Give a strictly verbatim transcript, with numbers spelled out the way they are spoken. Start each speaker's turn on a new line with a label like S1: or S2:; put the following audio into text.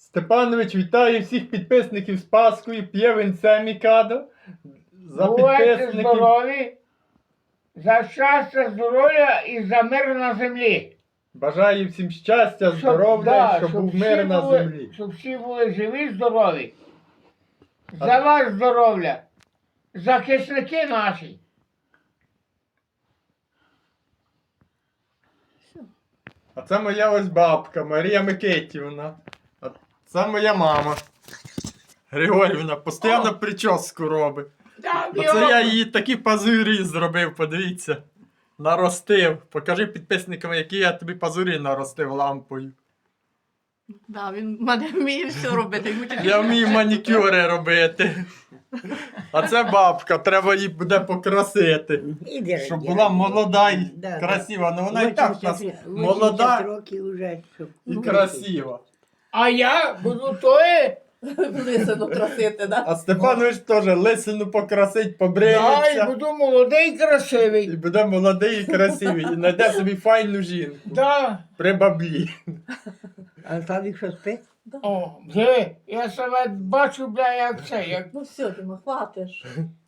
S1: Степанович вітає всіх підписників з Паскою, п'є винце Мікадо. За
S2: Бувайте
S1: підписників.
S2: здорові, за щастя, здоров'я і за мир на землі.
S1: Бажаю всім щастя,
S2: Щоб-
S1: здоров'я,
S2: да,
S1: щоб був
S2: всі
S1: мир на
S2: були-
S1: землі.
S2: Щоб всі були живі, здорові.
S1: А-
S2: За ваше здоров'я. Захисники наші.
S1: А це моя ось бабка Марія Микитівна. А це моя мама. Григорівна постійно прическу робить. Оце я їй такі пазурі зробив, подивіться. Наростив. Покажи підписникам, які я тобі пазурі наростив лампою.
S3: Да, він в мене вміє все робити. Йому тільки
S1: Я вмію манікюри робити. А це бабка, треба її буде покрасити.
S4: Іди,
S1: Щоб
S4: раді,
S1: була
S4: раді.
S1: молода і
S4: Да,
S1: красива. Ну вона і так у нас
S4: вісімдесят
S1: молода
S4: років вже, щоб...
S1: і красива.
S2: А я буду тої.
S3: лисину красити, да?
S1: А Степанович теж лисину покрасить,
S2: Да, і
S1: побриється.
S2: буду молодий і
S1: І
S2: красивий.
S1: буде молодий і красивий. І знайде собі файну жінку.
S2: Да.
S1: При баблі.
S4: А Славік що спить?
S2: О, диви, я себе бачу, бля, як це, як
S3: Ну все, ти хватиш.